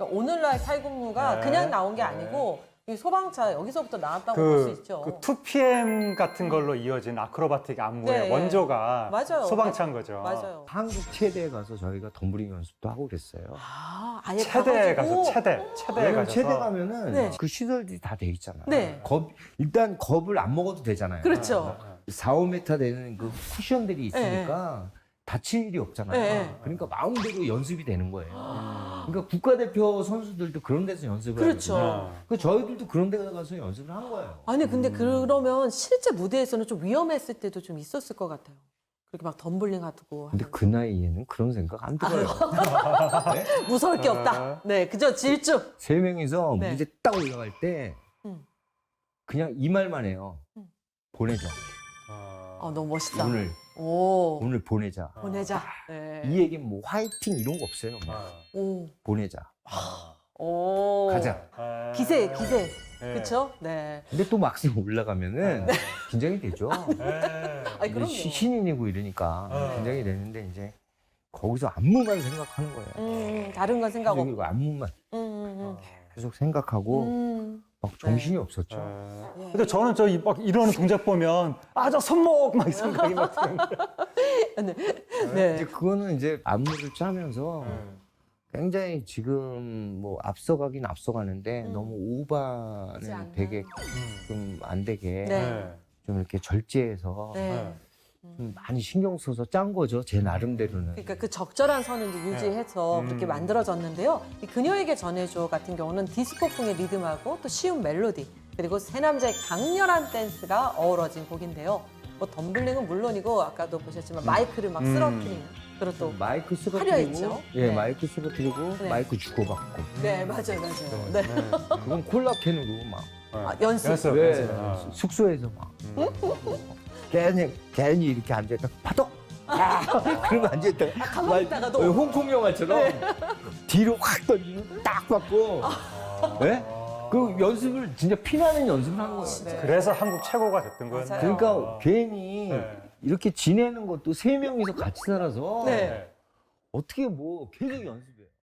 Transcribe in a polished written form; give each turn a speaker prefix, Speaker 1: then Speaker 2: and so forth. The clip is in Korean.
Speaker 1: 그러니까 오늘날 탈군무가 그냥 나온 게 아니고 이 소방차 여기서부터 나왔다고 볼 수 있죠.
Speaker 2: 그 2PM 같은 걸로 이어진 아크로바틱 안무의 원조가
Speaker 1: 맞아요.
Speaker 2: 소방차인 거죠.
Speaker 1: 맞아요.
Speaker 3: 한국 체대에 가서 저희가 덤블링 연습도 하고 그랬어요.
Speaker 1: 아, 아예
Speaker 2: 체대에
Speaker 1: 가가지고?
Speaker 2: 가서 체대에
Speaker 3: 왜냐면
Speaker 2: 가셔서
Speaker 3: 체대 가면은
Speaker 1: 네.
Speaker 3: 그 시설들이 다 돼 있잖아요.
Speaker 1: 네.
Speaker 3: 일단 겁을 안 먹어도 되잖아요.
Speaker 1: 그렇죠.
Speaker 3: 4, 5m 되는 그 쿠션들이 있으니까 다칠 일이 없잖아요.
Speaker 1: 네.
Speaker 3: 그러니까 마음대로 연습이 되는 거예요. 그러니까 국가대표 선수들도 그런 데서 연습을
Speaker 1: 그렇죠.
Speaker 3: 하거든요. 그 저희들도 그런 데 가서 연습을 한 거예요.
Speaker 1: 아니 근데 그러면 실제 무대에서는 좀 위험했을 때도 좀 있었을 것 같아요. 그렇게 막 덤블링 하고
Speaker 3: 근데 그 나이에는 그런 생각 안 들어요. 네?
Speaker 1: 무서울 게 없다. 네, 그저 질주.
Speaker 3: 세 명이서
Speaker 1: 네.
Speaker 3: 무대 딱 올라갈 때 그냥 이 말만 해요. 보내자.
Speaker 1: 너무 멋있다.
Speaker 3: 오늘 보내자.
Speaker 1: 보내자. 네.
Speaker 3: 이 얘기는 뭐 화이팅 이런 거 없어요. 그냥
Speaker 1: 오.
Speaker 3: 보내자.
Speaker 1: 오.
Speaker 3: 가자.
Speaker 1: 기세.
Speaker 2: 네.
Speaker 1: 그렇죠? 네.
Speaker 3: 근데 또 막상 올라가면은 긴장이 되죠.
Speaker 1: 아니 그럼요.
Speaker 3: 신인이고 이러니까 긴장이 되는데 이제 거기서 안무만 생각하는 거예요.
Speaker 1: 다른 건 생각 없고.
Speaker 3: 그리고 안무만 계속 생각하고 막 정신이 없었죠.
Speaker 2: 근데 저는 막 이러는 동작 보면 저 손목 막 이 생각이 막 드는데.
Speaker 1: 네.
Speaker 3: 이제 그거는 이제 안무를 짜면서 굉장히 지금 뭐 앞서가긴 앞서가는데 너무 오버는 되게 좀 안 되게
Speaker 1: 네.
Speaker 3: 좀 이렇게 절제해서
Speaker 1: 네.
Speaker 3: 좀 많이 신경 써서 짠 거죠. 제 나름대로는.
Speaker 1: 그러니까 그 적절한 선을 이제 유지해서 그렇게 만들어졌는데요. 이 그녀에게 전해줘 같은 경우는 디스코풍의 리듬하고 또 쉬운 멜로디 그리고 세 남자의 강렬한 댄스가 어우러진 곡인데요. 뭐 덤블링은 물론이고 아까도 보셨지만 마이크를 막 쓰러뜨리는 그리고 또
Speaker 3: 마이크
Speaker 1: 화려했죠?
Speaker 3: 쓰러뜨리고 예,
Speaker 1: 네.
Speaker 3: 마이크 쓰러뜨리고
Speaker 1: 네.
Speaker 3: 마이크 주고받고
Speaker 1: 네, 맞아요. 네.
Speaker 3: 그건 콜라캔으로 막
Speaker 1: 연습.
Speaker 3: 네, 숙소에서 막 괜히 이렇게 앉아있다 파독 그러면 앉아있다가
Speaker 1: 가만히 있다가도.
Speaker 3: 홍콩 영화처럼 뒤로 확 던지고 딱 받고 네? 그 연습을 진짜 피나는 연습을 한 거예요.
Speaker 2: 그래서 한국 최고가 됐던 거였네요.
Speaker 1: 맞아요.
Speaker 3: 그러니까 괜히
Speaker 2: 네.
Speaker 3: 이렇게 지내는 것도 세 명이서 같이 살아서
Speaker 1: 네.
Speaker 3: 어떻게 뭐 계속 연습해.